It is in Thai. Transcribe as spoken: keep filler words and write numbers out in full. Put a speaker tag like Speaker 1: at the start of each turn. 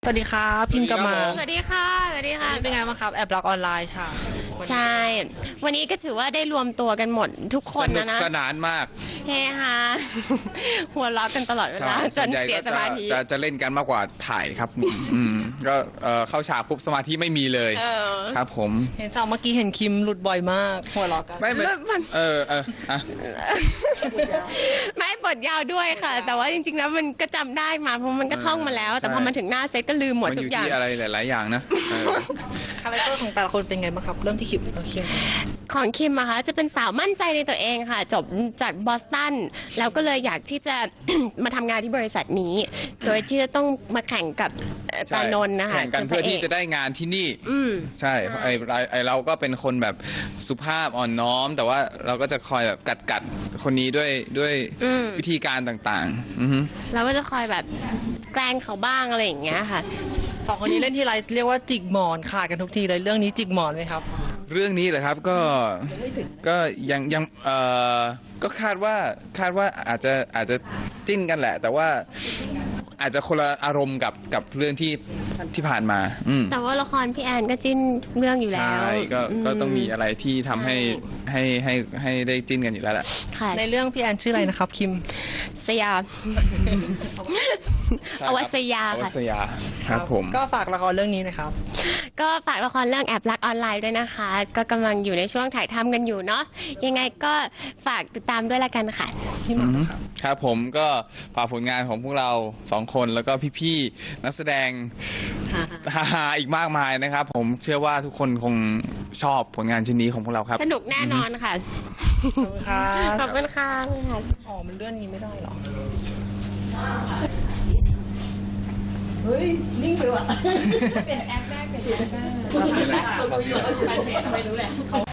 Speaker 1: วัสดีครับพิมพ์กลับมา
Speaker 2: สวัสดีค่ะสวัสดีค่ะ
Speaker 1: เป็นไงบ้างครับแอบรักออนไลน์ใช่
Speaker 2: ใช่วันนี้ก็ถือว่าได้รวมตัวกันหมดทุกคนนะนะ
Speaker 3: สนุกสนานมาก
Speaker 2: เฮฮาหัวเราะกันตลอดเวลาจนเสียสมาธิ
Speaker 3: จะจะเล่นกันมากกว่าถ่ายครับอืมก็เข้าฉากปุ๊บสมาธิไม่มีเลยครับผม
Speaker 1: เห็นสาวเมื่อกี้เห็นคิมหลุดบ่อยมากหัวเราะกัน
Speaker 3: ไม่ไม่เออเอออะ
Speaker 2: ไม่บทยาวด้วยค่ะแต่ว่าจริงๆแล้วมันก็จำได้มาเพราะมันก็ท่องมาแล้วแต่พอมาถึงหน้าเซตก็ลืมหมดทุกอย่าง
Speaker 3: มันอยู่ที่อะไรหลายๆอย่างนะ
Speaker 1: คาแรคเตอร์ของแต่ละคนเป็นไงบ้างครับเริ่มที่คิมคิม
Speaker 2: ของคิมอะคะจะเป็นสาวมั่นใจในตัวเองค่ะจบจากบอสตันแล้วก็เลยอยากที่จะ มาทำงานที่บริษัทนี้โดยที่จะต้องมาแข่งกับปานนท์นะคะ
Speaker 3: แข่งกันเพื่อที่จะได้งานที่นี่ใช่ไอไอเราก็เป็นคนแบบสุภาพอ่อนน้อมแต่ว่าเราก็จะคอยแบบกัดกัดคนนี้ด้วยด้วยวิธีการต่างๆ
Speaker 2: เราก็จะคอยแบบแกล้งเขาบ้างอะไรอย่างเงี้ยค่ะ
Speaker 1: สองคนนี้เล่นที่ไรเรียกว่าจิกหมอนขาดกันทุกทีเลยเรื่องนี้จิกหมอนไหมครับ
Speaker 3: เรื่องนี้เหรอครับก็ก็ยังยังเอ่อก็คาดว่าคาดว่าอาจจะอาจจะจิ้นกันแหละแต่ว่าอาจจะคนละอารมณ์กับกับเรื่องที่ที่ผ่านมา
Speaker 2: แต่ว่าละครพี่แอนก็จิ้นเรื่องอยู่แล้ว
Speaker 3: ใช่ก็ก็ต้องมีอะไรที่ทำให้ให้ให้ให้ได้จิ้นกันอยู่แล้วแหละ
Speaker 1: ในเรื่องพี่แอนชื่ออะไรนะครับคิม
Speaker 2: สยาอวัสยา
Speaker 3: ค่ะอวัสยาครับผม
Speaker 1: ก็ฝากละครเรื่องนี้นะครับ
Speaker 2: ก็ฝากละครเรื่องแอบรักออนไลน์ด้วยนะคะก็กำลังอยู่ในช่วงถ่ายทำกันอยู่เนาะยังไงก็ฝากติดตามด้วยละกันค่ะ
Speaker 3: ครับผมก็ฝากผลงานของพวกเราสองคนแล้วก็พี่ๆนักแสดงฮาๆอีกมากมายนะครับผมเชื่อว่าทุกคนคงชอบผลงานชิ้นนี้ของพวกเราครับ
Speaker 2: สนุกแน่นอนค่ะ
Speaker 1: ขอบคุณครับ
Speaker 2: ขอบคุณค่ะ
Speaker 1: อ๋อมันเลื่อนนี้ไม่ได้หรอเฮ้ยนิ่งไปว่ะเปลี่ยนแอปแรกเปลี่ยนแอปแรกไปเพจไม่รู้แหละ